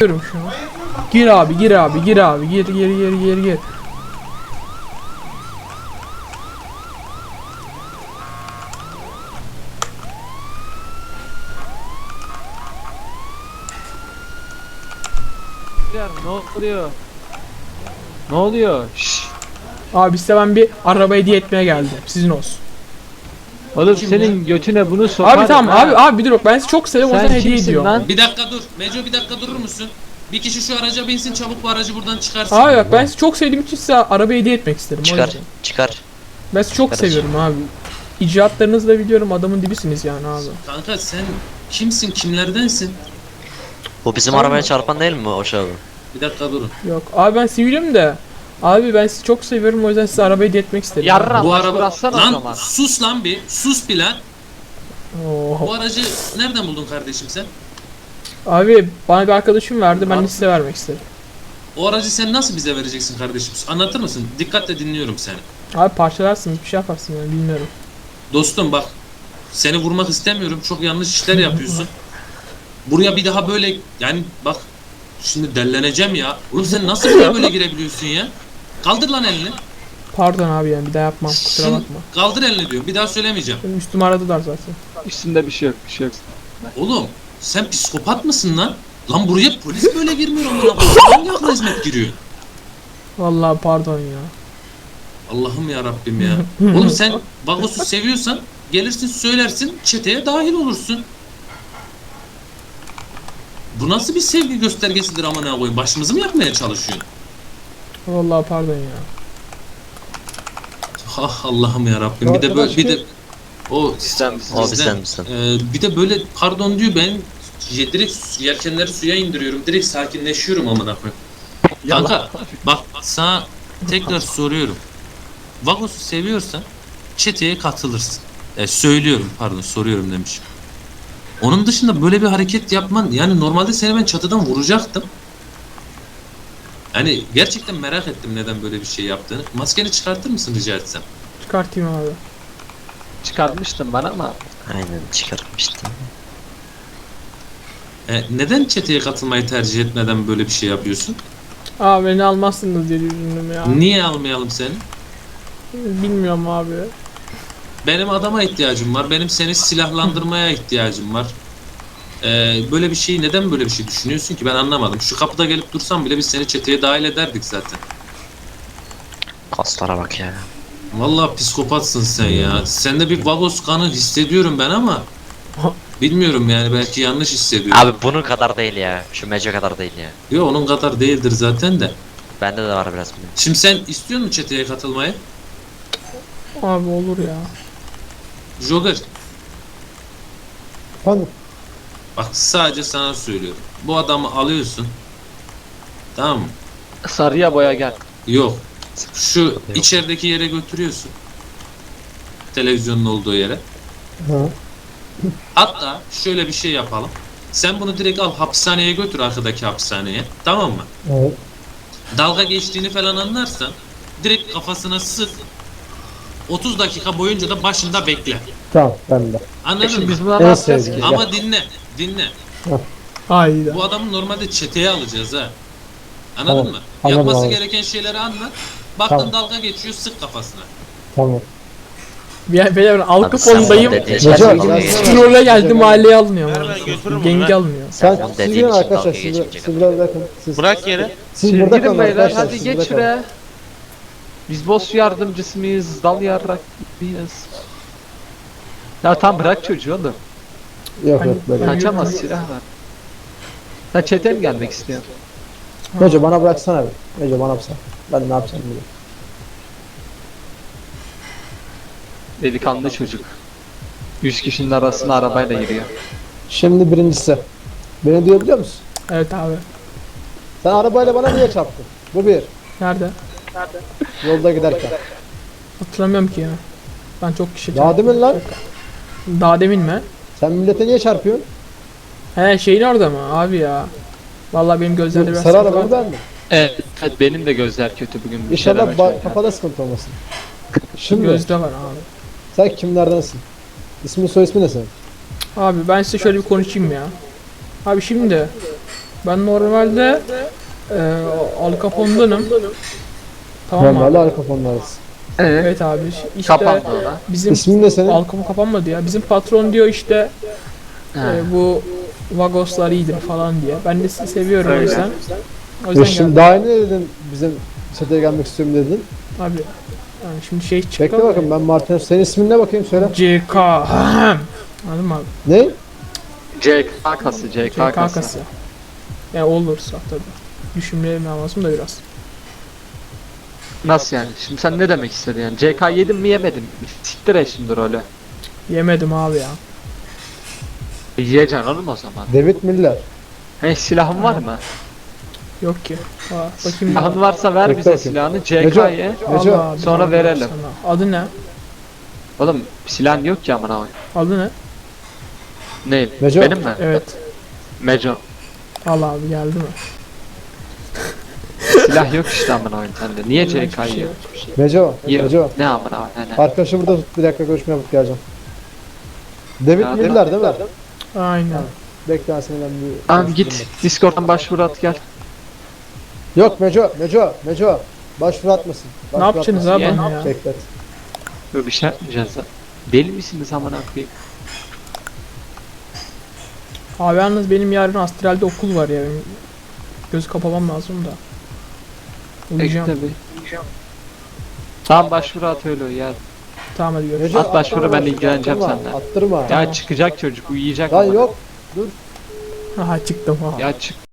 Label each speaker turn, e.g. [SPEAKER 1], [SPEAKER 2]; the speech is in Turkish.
[SPEAKER 1] Diyorum şunu. Gir abi, gir abi, gir abi, gir.
[SPEAKER 2] Ne oluyor? Ne oluyor? Şşş.
[SPEAKER 1] Abi size ben bir araba hediye etmeye geldim. Sizin olsun.
[SPEAKER 2] Oğlum senin götüne bunu sokarım.
[SPEAKER 1] Abi tamam
[SPEAKER 2] ha.
[SPEAKER 1] abi bir dur bak ben size çok seviyorum o
[SPEAKER 2] Sen
[SPEAKER 1] yüzden hediye
[SPEAKER 2] kimsin
[SPEAKER 1] ediyorum.
[SPEAKER 2] lan?
[SPEAKER 3] Bir dakika dur. Meco bir dakika durur musun? Bir kişi şu araca binsin, çabuk bu aracı buradan çıkarsın.
[SPEAKER 1] Abi bak ben sizi çok sevdiğim için size araba hediye etmek isterim. O
[SPEAKER 4] Çıkar,
[SPEAKER 1] yüzden.
[SPEAKER 4] çıkar.
[SPEAKER 1] Ben sizi çok
[SPEAKER 4] Kardeşim.
[SPEAKER 1] seviyorum abi. İcraatlarınızı da biliyorum, adamın dibisiniz yani abi.
[SPEAKER 3] Kanka sen kimsin, kimlerdensin?
[SPEAKER 4] Bu bizim
[SPEAKER 1] Tamam.
[SPEAKER 4] arabaya çarpan değil mi o abi?
[SPEAKER 3] Bir dakika durun.
[SPEAKER 1] Yok abi ben sivilim de. Abi ben sizi çok seviyorum o yüzden size araba hediye etmek istedim.
[SPEAKER 2] Yarra
[SPEAKER 3] Bu
[SPEAKER 2] baş
[SPEAKER 3] araba...
[SPEAKER 2] bıraksana o
[SPEAKER 3] Lan
[SPEAKER 2] zaman.
[SPEAKER 3] sus lan bir. Sus bir lan.
[SPEAKER 1] Oo.
[SPEAKER 3] Bu aracı nereden buldun kardeşim sen?
[SPEAKER 1] Abi bana bir arkadaşım verdi, ben de size vermek istedim.
[SPEAKER 3] O aracı sen nasıl bize vereceksin kardeşim? Anlatır mısın? Dikkatle dinliyorum seni.
[SPEAKER 1] Abi parçalarsın, bir şey yaparsın yani bilmiyorum.
[SPEAKER 3] Dostum bak. Seni vurmak istemiyorum. Çok yanlış işler yapıyorsun. Buraya bir daha böyle yani bak şimdi delleneceğim ya. Oğlum sen nasıl buraya böyle girebiliyorsun ya? Kaldır lan elini.
[SPEAKER 1] Pardon abi yani bir daha yapmam, kusura
[SPEAKER 3] Şimdi
[SPEAKER 1] bakma.
[SPEAKER 3] kaldır elini diyor. Bir daha söylemeyeceğim.
[SPEAKER 1] Benim üstüme aradılar zaten.
[SPEAKER 2] Üstünde bir şey yok, bir şey yok.
[SPEAKER 3] Oğlum sen psikopat mısın lan? Lan buraya polis böyle girmiyor amına koyayım. Hangi akla hizmet giriyor?
[SPEAKER 1] Vallahi pardon ya.
[SPEAKER 3] Allah'ım ya Rabbim ya. Oğlum sen Vagos'u seviyorsan gelirsin söylersin çeteye dahil olursun. Bu nasıl bir sevgi göstergesidir amına koyayım? Başımızı mı yakmaya çalışıyorsun?
[SPEAKER 1] Vallahi pardon ya.
[SPEAKER 3] Ah Allah'ım ya Rabbim. Bir de böyle bir de o
[SPEAKER 2] Bizden
[SPEAKER 4] O bizden bizden.
[SPEAKER 3] Bir de böyle pardon diyor ben direkt yelkenleri suya indiriyorum. Direkt sakinleşiyorum amına koyayım. Kanka bak sana tekrar soruyorum. Vagos'u seviyorsan çeteye katılırsın. Söylüyorum pardon soruyorum demişim. Onun dışında böyle bir hareket yapman yani normalde seni ben çatıdan vuracaktım. Yani gerçekten merak ettim neden böyle bir şey yaptığını. Maskeni çıkartır mısın rica etsem?
[SPEAKER 1] Çıkartayım abi.
[SPEAKER 2] çıkartmıştın bana ama
[SPEAKER 4] Aynen çıkarmıştım.
[SPEAKER 3] Neden çeteye katılmayı tercih etmeden böyle bir şey yapıyorsun?
[SPEAKER 1] Abi beni almazsınız diye düşündüm ya.
[SPEAKER 3] Niye almayalım seni?
[SPEAKER 1] Bilmiyorum abi.
[SPEAKER 3] Benim adama ihtiyacım var. Benim seni silahlandırmaya ihtiyacım var. Böyle bir şeyi neden böyle bir şey düşünüyorsun ki ben anlamadım. Şu kapıda gelip dursan bile biz seni çeteye dahil ederdik zaten.
[SPEAKER 4] Kaslara bak ya.
[SPEAKER 3] Vallahi psikopatsın sen ya. Sende bir Vagos kanı hissediyorum ben ama bilmiyorum yani belki yanlış hissediyorum.
[SPEAKER 4] Abi bunun kadar değil ya. Şu Meco kadar değil ya.
[SPEAKER 3] Yok onun kadar değildir zaten de.
[SPEAKER 4] Bende de var biraz.
[SPEAKER 3] Şimdi sen istiyor musun çeteye katılmayı?
[SPEAKER 1] Abi olur ya.
[SPEAKER 3] Joker
[SPEAKER 5] Efendim?
[SPEAKER 3] bak sadece sana söylüyorum. Bu adamı alıyorsun. Tamam mı?
[SPEAKER 2] sarıya boya gel.
[SPEAKER 3] Yok. Şu içerideki yere götürüyorsun. Televizyonun olduğu yere.
[SPEAKER 5] Ha.
[SPEAKER 3] Hatta şöyle bir şey yapalım. Sen bunu direkt al hapishaneye götür arkadaki hapishaneye. Tamam mı?
[SPEAKER 5] Evet.
[SPEAKER 3] Dalga geçtiğini falan anlarsan direkt kafasına sık. 30 dakika boyunca da başında bekle.
[SPEAKER 5] Tamam ben de.
[SPEAKER 3] Anladın
[SPEAKER 2] Şimdi
[SPEAKER 3] mı?
[SPEAKER 2] biz buna ne
[SPEAKER 5] En
[SPEAKER 2] yapacağız
[SPEAKER 5] sevdiğim.
[SPEAKER 2] ki?
[SPEAKER 3] Ama dinle.
[SPEAKER 1] Hayda.
[SPEAKER 3] Bu adamı normalde çeteye alacağız ha. Anladın
[SPEAKER 5] Tamam,
[SPEAKER 3] mı?
[SPEAKER 5] anladım
[SPEAKER 3] Yapması
[SPEAKER 5] abi.
[SPEAKER 3] gereken şeyleri anlat. Baktın
[SPEAKER 5] Tamam.
[SPEAKER 3] dalga geçiyor sık kafasına.
[SPEAKER 5] Tamam.
[SPEAKER 1] Ben Al
[SPEAKER 4] Abi sen
[SPEAKER 1] Capone'dayım.
[SPEAKER 4] bunu dediğin
[SPEAKER 5] Recep,
[SPEAKER 4] şey
[SPEAKER 5] ben-
[SPEAKER 4] değil.
[SPEAKER 1] Trole geldi mahalleye alınıyor.
[SPEAKER 6] Ver
[SPEAKER 1] ama.
[SPEAKER 6] ben götürürüm
[SPEAKER 1] Gengi
[SPEAKER 6] onu, ver.
[SPEAKER 1] almıyor.
[SPEAKER 4] Sen
[SPEAKER 5] Sen
[SPEAKER 4] bunu
[SPEAKER 5] siz
[SPEAKER 4] dediğin
[SPEAKER 5] gidin
[SPEAKER 4] için
[SPEAKER 5] arkadaşlar.
[SPEAKER 4] dalga
[SPEAKER 5] Siz
[SPEAKER 4] geçmeyecek.
[SPEAKER 5] biraz bırakın.
[SPEAKER 6] Bırak yere.
[SPEAKER 5] Siz burada
[SPEAKER 2] Gidin
[SPEAKER 5] kalın
[SPEAKER 2] beyler
[SPEAKER 5] arkadaşlar.
[SPEAKER 2] hadi
[SPEAKER 5] siz
[SPEAKER 2] geç
[SPEAKER 5] burada kalın.
[SPEAKER 2] şuraya. Biz boss yardımcısı mıyız? Dal yarrak mıyız? Ya tam bırak çocuğu oğlum.
[SPEAKER 5] Yok yok böyle.
[SPEAKER 2] Kaçamaz silah var. Ha çete mi gelmek istiyor?
[SPEAKER 5] Hoca bana bıraksana bir. Hoca bana bırak. Ben ne yapacağım bunu?
[SPEAKER 2] Delikanlı çocuk. 100 kişinin arasına arabayla giriyor.
[SPEAKER 5] Şimdi birincisi. Beni duyabiliyor musun?
[SPEAKER 1] Evet abi.
[SPEAKER 5] Sen arabayla bana niye çarptın? Bu bir.
[SPEAKER 1] Nerede?
[SPEAKER 5] Yolda giderken.
[SPEAKER 1] Hatırlamıyorum ki ya. Ben çok kişi
[SPEAKER 5] Daha demin lan.
[SPEAKER 1] Daha demin mi?
[SPEAKER 5] Sen millete niye çarpıyorsun?
[SPEAKER 1] He şeyin orada mı? Abi ya. Vallahi benim gözlerimde biraz
[SPEAKER 5] Sarı
[SPEAKER 1] sıkıntı
[SPEAKER 5] arabanı
[SPEAKER 1] var.
[SPEAKER 5] ben mi?
[SPEAKER 2] Evet, benim de gözler kötü bugün. Bir
[SPEAKER 5] İnşallah
[SPEAKER 2] şeyler açmaya.
[SPEAKER 5] kafada sıkıntı olmasın. Şimdi
[SPEAKER 1] Gözde var abi.
[SPEAKER 5] sen kimlerdensin? İsmin soy ismi ne senin?
[SPEAKER 1] Abi ben size şöyle bir konuşayım ya. Abi şimdi Ben normalde Al Capone'danım. Tamam
[SPEAKER 5] Ben
[SPEAKER 1] mı?
[SPEAKER 5] böyle arka fonlarız.
[SPEAKER 1] Evet abi. İşte
[SPEAKER 2] Kapandı o da.
[SPEAKER 1] bizim
[SPEAKER 5] İsmin ne senin?
[SPEAKER 1] Al Capone kapanmadı ya. Bizim patron diyor işte
[SPEAKER 2] He.
[SPEAKER 1] bu Vagoslar iyidir falan diye. Ben de sizi seviyorum o
[SPEAKER 2] Öyle.
[SPEAKER 1] yüzden. O
[SPEAKER 5] Dur
[SPEAKER 1] yüzden
[SPEAKER 5] şimdi
[SPEAKER 1] geldim.
[SPEAKER 5] daha ne dedin bizim sete gelmek istiyorum dedin.
[SPEAKER 1] Abi yani şimdi şey çıktı.
[SPEAKER 5] Bekle bakın ben Martinez. Senin ismin ne bakayım söyle.
[SPEAKER 1] CK. Anladın mı abi?
[SPEAKER 5] Ne?
[SPEAKER 2] CK kası, CK kası.
[SPEAKER 1] CK'sı. Yani olursa tabii. Düşünmem lazım da biraz.
[SPEAKER 2] Nasıl yani? Şimdi sen ne demek istedin yani? CK yedin mi yemedin mi? Siktir et şimdi rolü.
[SPEAKER 1] Yemedim abi ya.
[SPEAKER 2] Yiyeceksin oğlum o zaman.
[SPEAKER 5] David Miller.
[SPEAKER 2] He silahın var mı?
[SPEAKER 1] Yok ki. Bakayım.
[SPEAKER 2] Silahın varsa ver
[SPEAKER 5] Bekle
[SPEAKER 2] bize
[SPEAKER 5] bakayım.
[SPEAKER 2] silahını
[SPEAKER 5] Neco.
[SPEAKER 2] CK'ye.
[SPEAKER 5] Neco.
[SPEAKER 1] Allah abi,
[SPEAKER 2] sonra
[SPEAKER 1] Allah
[SPEAKER 2] verelim.
[SPEAKER 1] sana. Adı ne?
[SPEAKER 2] Oğlum silahın yok ki amına koyayım.
[SPEAKER 1] Adı ne?
[SPEAKER 2] Ne?
[SPEAKER 5] Neco.
[SPEAKER 2] Benim mi?
[SPEAKER 1] Evet.
[SPEAKER 2] Meco.
[SPEAKER 1] Allah abi geldi mi?
[SPEAKER 2] Silah yok işte amına koyayım sende. Niye
[SPEAKER 1] Hiçbir
[SPEAKER 2] CK'yı?
[SPEAKER 1] şey yok.
[SPEAKER 5] Meco.
[SPEAKER 2] Yok.
[SPEAKER 5] Meco.
[SPEAKER 2] Ne amına koyayım? Ne?
[SPEAKER 5] Arkadaşı burada tut bir dakika görüşme yapıp geleceğim. David
[SPEAKER 2] Ya,
[SPEAKER 5] Miller değil mi?
[SPEAKER 1] Aynen.
[SPEAKER 5] Bekle ben seni ben bir...
[SPEAKER 2] Abi git Discord'dan başvuru at gel.
[SPEAKER 5] Yok Meco. Başvuru atmasın.
[SPEAKER 1] Ne
[SPEAKER 5] Başvuru
[SPEAKER 1] yapacaksınız
[SPEAKER 5] atmasın.
[SPEAKER 1] abi bana ya?
[SPEAKER 5] Beklet.
[SPEAKER 2] Böyle bir şey yapmayacağız da. Deli misiniz amına koyayım?
[SPEAKER 1] Abi yalnız benim yarın astralde okul var ya. Benim gözü kapamam lazım da. Uyuyacağım.
[SPEAKER 2] Bekle bir. Tamam başvuru at öyle ya.
[SPEAKER 1] Tamam hadi görüşürüz.
[SPEAKER 5] Meco,
[SPEAKER 2] At başvuru, ben ilgileneceğim
[SPEAKER 5] attırma,
[SPEAKER 2] seninle.
[SPEAKER 5] Attırma.
[SPEAKER 2] Ya çıkacak çocuk uyuyacak.
[SPEAKER 5] Lan
[SPEAKER 2] amına.
[SPEAKER 5] yok.
[SPEAKER 1] Aha çıktım. Aha.
[SPEAKER 2] Ya çık.